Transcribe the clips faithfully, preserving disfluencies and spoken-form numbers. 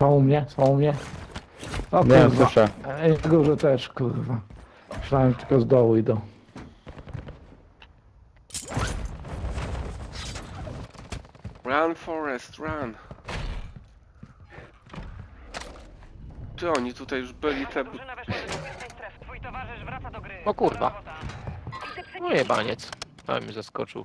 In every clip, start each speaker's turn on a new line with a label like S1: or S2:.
S1: Są u mnie, są u mnie. O
S2: Nie,
S1: kurwa.
S2: słyszę.
S1: Ej, w górze też, kurwa. Myślałem, tylko z dołu idą.
S3: Run, Forest, run. Ty, oni tutaj już byli te...
S4: Drużyna weszła do bezpiecznej strefy. Twój towarzysz wraca do gry.
S5: O kurwa.
S4: Dobra robota.
S5: No jebaniec. Ale mi zaskoczył.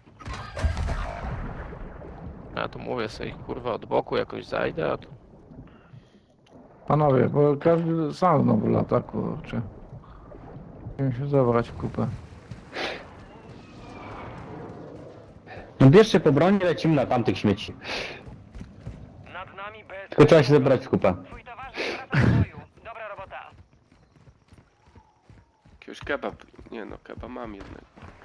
S5: Ja tu mówię sobie, kurwa, od boku jakoś zajdę, a tu...
S1: Panowie, bo każdy sam znowu lata, kurczę. Musimy się zabrać w kupę.
S2: No bierzcie po broni, lecimy na tamtych śmieci.
S4: Nad nami bez...
S2: Tylko trzeba się zebrać w kupę.
S4: Twój towarzysz wraca do boju. Dobra robota.
S3: Jakiegoś kebab... Nie no, kebab mam jednego.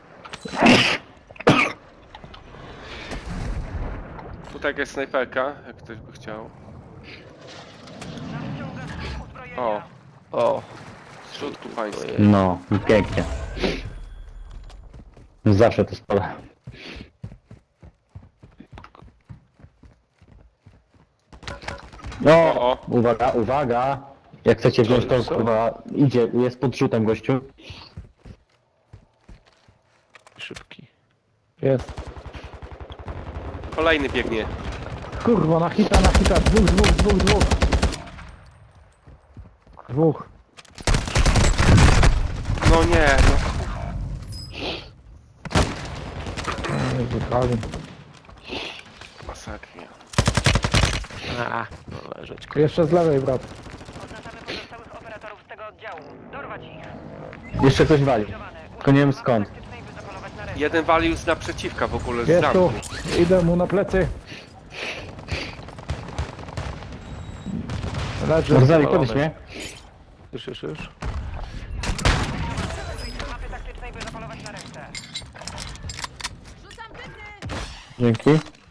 S3: Tutaj jakaś snajperka, jak ktoś by chciał.
S4: Nadciąga skrót uzbrojenia.
S3: O,
S5: O,
S3: w środku państwa.
S2: No, i pięknie. Zawsze to spala. No,
S3: O, o.
S2: uwaga, uwaga. Jak chcecie wziąć to,
S5: Co?
S2: kurwa, idzie, jest pod rzutem gościu.
S5: szybki.
S1: Jest.
S3: Kolejny biegnie.
S1: Kurwa, na hita, na hita. Dwóch, dwóch, dwóch, dwóch. Dwóch.
S3: No nie, no.
S1: Ej, wypali.
S3: Masakra.
S5: A, no leżeć.
S1: Jeszcze z lewej, brat.
S4: Oznaczamy pozostałych operatorów z tego oddziału. Dorwać ich.
S2: Jeszcze ktoś wali.
S4: Zlikwidowane.
S2: Tylko nie wiem skąd.
S4: Taktycznej, by zapolować na resztę.
S3: Jeden walił z naprzeciwka w ogóle, z
S1: Jest tu.
S3: zamku.
S1: Idę mu na plecy. Leży.
S2: Marzali, podnieś mnie.
S5: Już, już, już.
S4: Mapy taktycznej, by zapolować na resztę.
S2: Dzięki.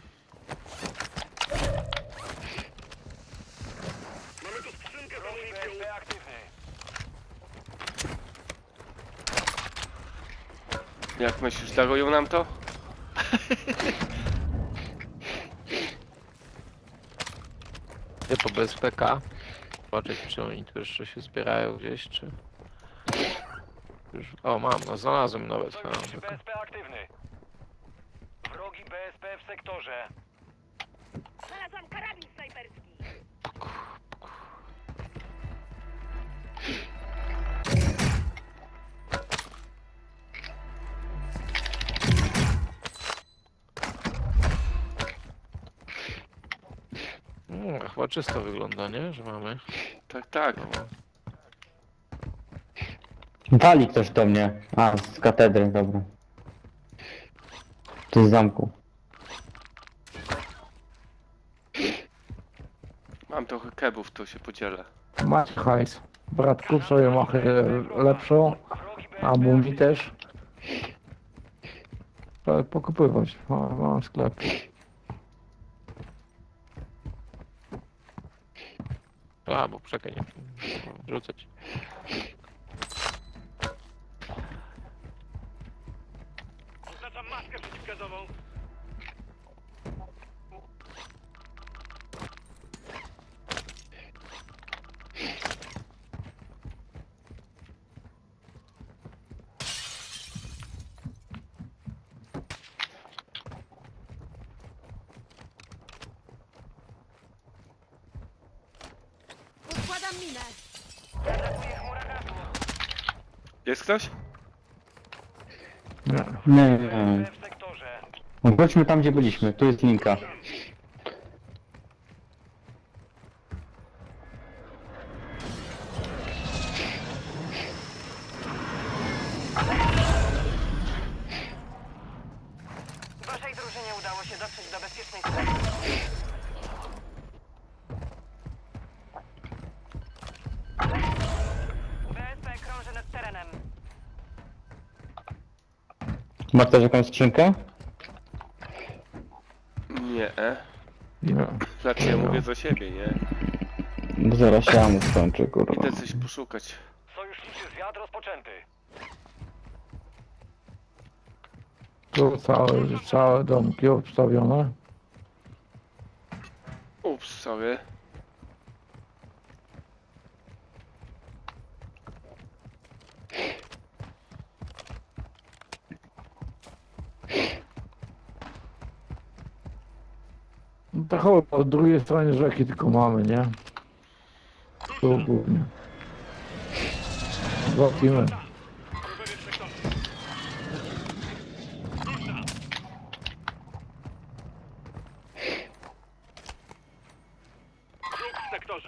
S4: B S P aktywny.
S3: Jak myślisz, darują nam to?
S5: Idę po B S P K. Zobaczyć, czy oni tu jeszcze się zbierają gdzieś, czy... Już... O, mam, no znalazłem nawet. A,
S4: Sojusz
S5: tylko-
S4: B S P aktywny. Wrogi B S P w sektorze.
S6: Znalazłam karabin snajperski.
S5: Mm, chyba czysto wygląda, nie? Że mamy.
S3: Tak, tak.
S5: No,
S2: Wali ktoś do mnie. A, z katedry, dobra. To z zamku.
S3: Mam trochę kebów, to się podzielę.
S1: Masz hajs. Brat, kup sobie machę lepszą.
S4: Wrogi B S P
S1: A mówi
S4: aktywny.
S1: też. Trzeba pokupywać. Mam, mam sklep.
S5: a, bo czekaj, nie. Rzucać.
S4: Oznaczam maskę przeciwgazową.
S6: Układam minę.
S4: Atakuje chmura gazu.
S3: Jest ktoś?
S1: Nie.
S2: Nie, nie, nie.
S4: B w sektorze.
S2: Wróćmy tam, gdzie byliśmy. Tu jest linka.
S4: Waszej drużynie udało się dotrzeć do bezpiecznej strefy. B S P krąży nad terenem.
S2: Ma ktoś jakąś skrzynkę?
S3: Nie. E.
S1: Nie.
S3: Znaczy ja mówię za siebie, nie?
S2: Bo zaraz się amu skończy, kurwa.
S3: Idę coś poszukać.
S4: Sojuszniczy zwiat rozpoczęty.
S1: Tu całe, całe domki obstawione.
S3: Ups, sorry.
S1: Tak o, po drugiej stronie rzeki tylko mamy, nie? Tu głównie. Zobaczymy.
S4: Wróg w sektorze.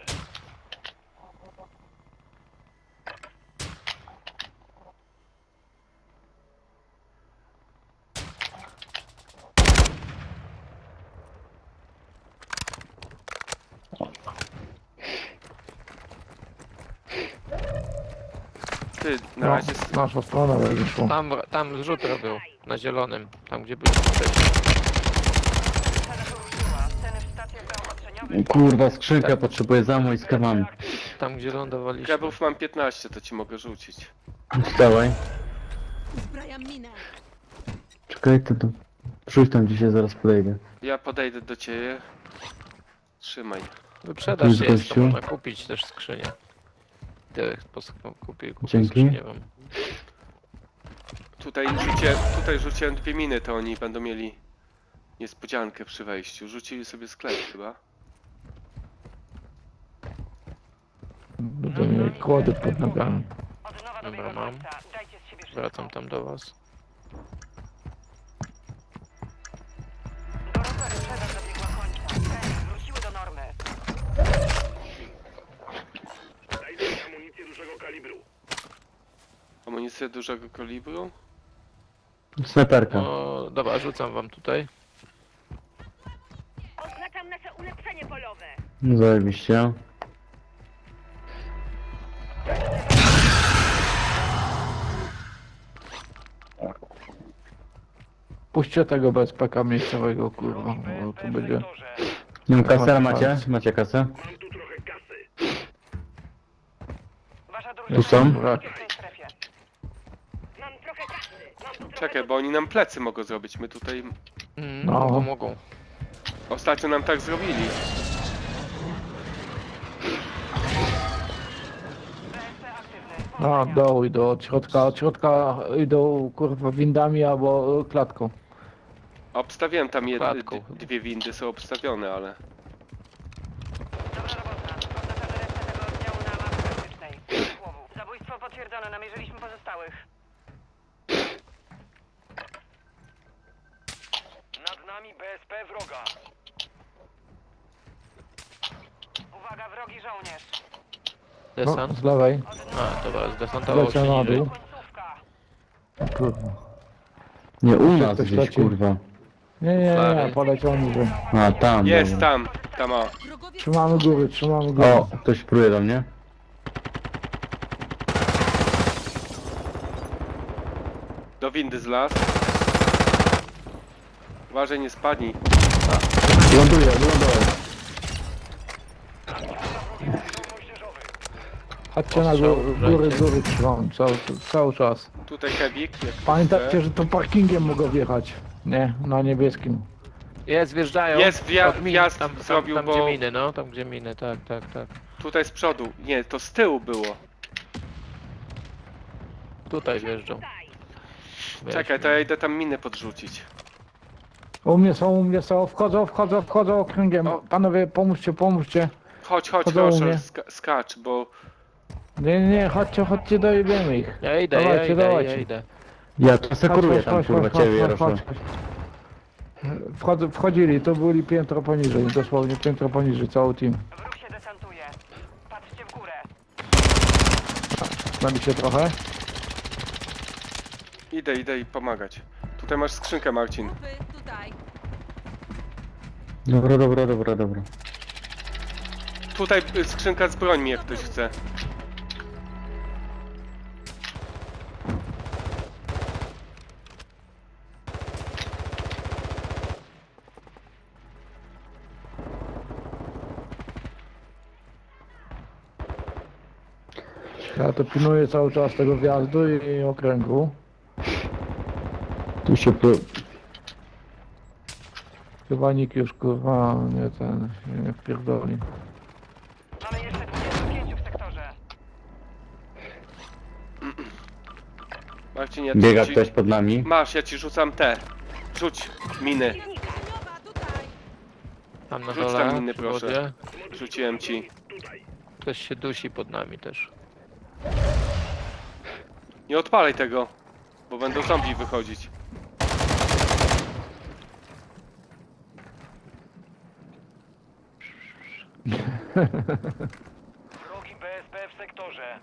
S3: Ty, na
S1: No,
S3: razie... s-
S1: nasza strona wyszła.
S5: Tam, tam zrzut robił, na zielonym, tam gdzie byliśmy wcześniej.
S7: Cena poruszyła. Ceny w stacjach zaopatrzeniowych.
S2: Kurwa, skrzynka potrzebuje za i z kawami.
S5: Tam gdzie lądowaliśmy.
S3: Grabów mam piętnaście, to ci mogę rzucić.
S2: Wstawaj.
S6: Uzbrajam minę.
S2: Czekaj, to, to... Przyjdź tam dzisiaj, zaraz podejdę.
S3: Ja podejdę do ciebie. Trzymaj.
S5: Wyprzedaż
S2: jest
S5: jest, to
S2: gościu.
S5: można kupić też skrzynię. Ty pos- kupię, kupię
S2: Dzięki.
S5: skrzynię wam.
S3: Tutaj rzuciłem, tutaj rzuciłem dwie miny, to oni będą mieli niespodziankę przy wejściu. Rzucili sobie sklep chyba.
S1: Będą mieli kłody pod nogami.
S7: Od nowa
S5: Dobra,
S7: dobiega
S5: mam.
S7: końca. Dajcie z siebie wszystko.
S5: Wracam tam do was.
S7: Do rowery sprzedaż dobiegła końca. Ceny wróciły do normy.
S4: Dajcie amunicję dużego kalibru.
S3: Amunicję dużego kalibru.
S2: Snajperka.
S5: No dobra, rzucam wam tutaj.
S6: Oznaczam nasze ulepszenie polowe.
S2: No zajebiście.
S1: Puśćcie tego bez P K miejscowego, kurwa,
S4: Wrogi
S1: bo
S4: B S
S1: tu
S4: P w
S1: będzie...
S4: sektorze.
S2: Nie wiem, kasę
S1: Chodź,
S2: macie?
S1: chodź.
S2: Macie kasę?
S4: Mam tu trochę kasy.
S7: Wasza
S2: Tu
S7: drużyna
S2: są?
S7: jest w bezpiecznej strefie.
S6: Mam trochę kasy. Mam tu trochę...
S3: Czekaj, bo oni nam plecy mogą zrobić. My tutaj...
S5: Mm,
S1: No.
S5: Mogą, mogą.
S3: Ostatnio nam tak zrobili.
S7: B S P aktywny.
S1: No,
S7: Powodzenia.
S1: doł idą od środka, od środka idą, kurwa, windami albo klatką.
S3: Obstawiłem tam jed...
S5: Klatką
S3: d-
S5: chyba.
S3: dwie windy są obstawione, ale...
S7: Dobra robota. Oznaczamy resztę tego oddziału na mapie taktycznej. Słowu. Zabójstwo potwierdzone. Namierzyliśmy pozostałych.
S4: Nad nami B S P wroga.
S7: Uwaga, wrogi żołnierz.
S1: No,
S5: Desant?
S1: z lewej.
S7: Od
S5: A, dobra, zdesantował
S1: Leciał
S5: się
S1: na
S5: niżej.
S1: dół.
S7: końcówka.
S1: Kurwa.
S2: Nie, u nas
S1: ktoś
S2: gdzieś,
S1: leci?
S2: kurwa.
S1: Nie, nie, nie,
S5: Lewej.
S1: poleciał niżej.
S2: A, tam.
S3: Jest
S2: dobra.
S3: tam! Tam o.
S6: Wrogowie
S1: Trzymamy góry, trzymamy góry.
S2: O, ktoś pruje do mnie.
S3: Do windy zlazł. Uważaj, nie spadnij.
S2: Ląduje, lądował.
S4: Moździerzowy.
S1: Chodźcie na
S5: Ostrzał,
S1: góry, góry,
S5: wrajcie.
S1: góry trzymam, cały, cały czas.
S3: Tutaj Kebik. Jak
S1: Pamiętajcie,
S3: chce.
S1: że to parkingiem mogą wjechać. Nie, na niebieskim.
S5: Jest, wjeżdżają.
S3: Jest wja-
S5: Od min,
S3: wjazd
S5: tam, tam,
S3: zrobił,
S5: tam
S3: bo-
S5: gdzie miny, no, tam gdzie miny, tak, tak, tak.
S3: Tutaj z przodu. Nie, to z tyłu było.
S5: Tutaj wjeżdżą.
S6: tutaj.
S3: Czekaj, to ja idę tam minę podrzucić.
S1: U mnie są, u mnie są, wchodzą, wchodzą, wchodzą okręgiem.
S3: O.
S1: Panowie, pomóżcie, pomóżcie.
S3: Chodź, chodź,
S1: Chodzą u
S3: proszę,
S1: mnie.
S3: ska skacz, bo...
S1: Nie, nie, nie, chodźcie, chodźcie, dojebiemy ich.
S5: Ja idę, ja
S1: Dawajcie,
S5: idę,
S1: dawajcie.
S5: ja idę.
S2: Ja tu
S1: Chodź,
S2: sekuruję
S1: chodź,
S2: tam,
S1: chodź,
S2: kurwa,
S1: chodź,
S2: ciebie,
S1: chodź,
S2: Jarosław.
S1: chodź, chodź. Wchodzą, wchodzili, to byli piętro poniżej, dosłownie piętro poniżej, cały team.
S7: Wróg się desantuje. Patrzcie w górę.
S1: Znali się trochę.
S3: Idę, idę i pomagać. Tutaj masz skrzynkę, Marcin.
S6: Grupy tutaj.
S2: Dobra, dobra, dobra, dobra.
S3: Tutaj y, skrzynka z brońmi, jak ktoś chce.
S1: Ja to pilnuję cały czas tego wjazdu i, i okręgu.
S2: Tu się pro...
S1: Chyba nikt już, kurwa, nie ten, się nie wpierdoli.
S7: Mamy jeszcze dwudziestu pięciu w sektorze.
S3: Marcin, ja
S2: Biega
S3: ci...
S2: ktoś pod nami.
S3: Masz, ja ci rzucam te. Rzuć miny.
S6: Przeciwnika. Nowa tutaj.
S5: Tam na
S3: Rzuć
S5: dole,
S3: tam miny,
S5: przy
S3: proszę.
S5: wodzie.
S3: Rzuciłem ci.
S5: Ktoś się dusi pod nami też.
S3: Nie odpalaj tego, bo będą zombie wychodzić.
S4: Wrogi B S P w sektorze.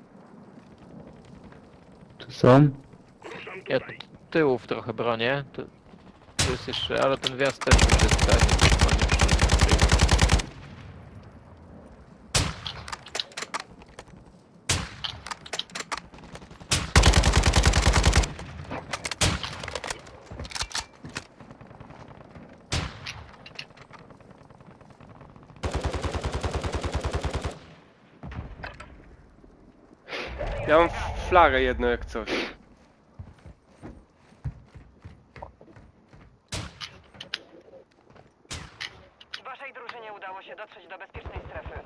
S2: Tu są?
S5: Ja tu tyłów trochę bronię. Tu, tu jest jeszcze, ale ten wjazd też już jest tak. konieczny.
S3: Ja mam flagę jedną jak coś.
S7: Waszej drużynie udało się dotrzeć do bezpiecznej strefy.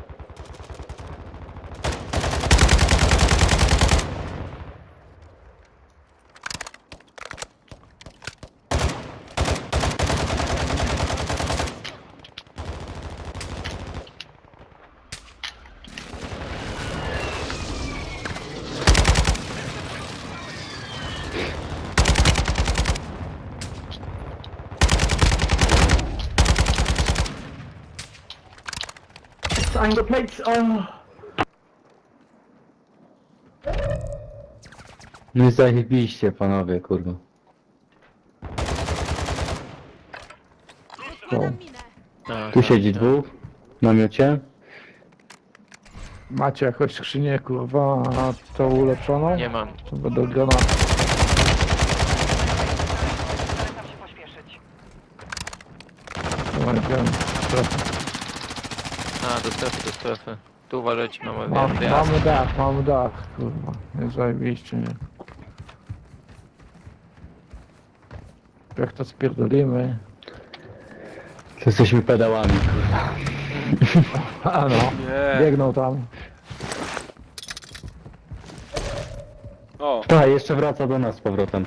S2: I'm the plates, oh. No i zajebiście, panowie, kurwa.
S6: Zakładam minę.
S5: A,
S2: Tu
S5: tak,
S2: siedzi
S5: tak.
S2: dwóch w namiocie.
S1: Macie jakąś skrzynię, kurwa, na tą ulepszoną?
S5: Nie mam.
S1: To będą granaty.
S7: Zalecam się pośpieszyć.
S1: Dobra, idziemy.
S5: A, do strefy, do strefy. Tu uważajcie, mamy
S1: Mam,
S5: wjazd.
S1: mamy dach, mamy dach, kurwa. Jest zajebiście, nie? Jak to spierdolimy?
S2: To jesteśmy pedałami, kurwa.
S1: A no,
S3: Nie.
S1: biegną tam.
S3: O,
S2: Tak, jeszcze wraca do nas z powrotem.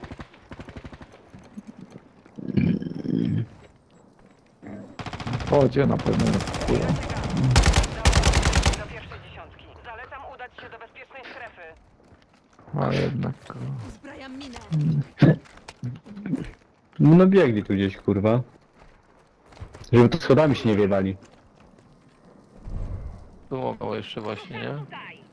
S1: Chodzie na pewno. Kurwa.
S7: Do pierwszej dziesiątki. Zalecam udać się do bezpiecznej strefy.
S1: A jednak, kurwa.
S6: Uzbrajam minę.
S2: No biegli tu gdzieś, kurwa. Żeby tu schodami się nie wiewali.
S5: Tu mogą jeszcze właśnie, nie?
S6: Tutaj.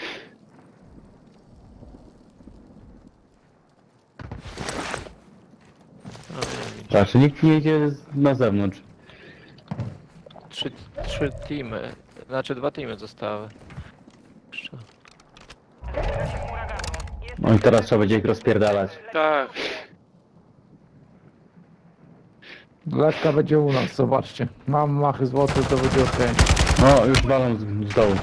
S5: No, nie wiem.
S2: Tak, czy nikt nie idzie z- na zewnątrz.
S5: Trzy, trzy teamy. Znaczy dwa teamy zostały. Jeszcze.
S7: Zbliża się chmura gazu. Jest
S2: No i teraz trzeba będzie ich rozpierdalać.
S3: tak.
S1: Letka będzie u nas, zobaczcie. Mam machy złote, to będzie okej.
S2: O, już walą z, z dołu.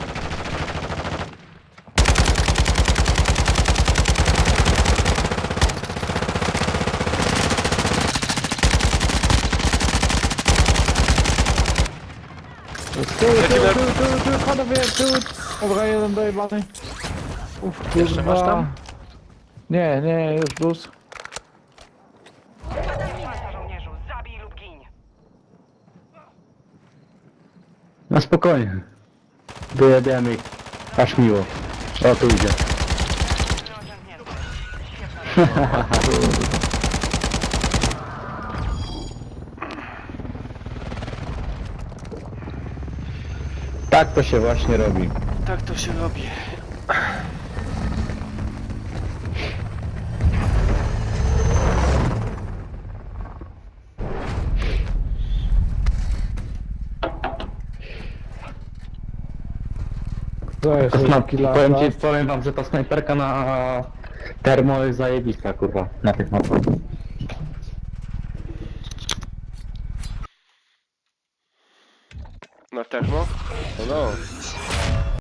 S1: Tu, tu, tu, tu, tu, panowie, tu. Dobra, jeden dojebany. Uf,
S5: Jeszcze masz
S1: kurwa.
S5: tam?
S1: Nie, nie, już plus.
S7: Masa żołnierzu. Zabij lub gin.
S2: No spokojnie. Dojedziemy ich. Aż miło. O, tu idzie.
S7: Orzędnięty. Świetna.
S2: Tak to się właśnie robi.
S3: Tak to się robi.
S1: To jest
S2: To sna-
S1: taki lata.
S2: powiem ci, powiem wam, że ta snajperka na termo jest zajebista, kurwa. Na tych mapach.
S3: Na termo? No no.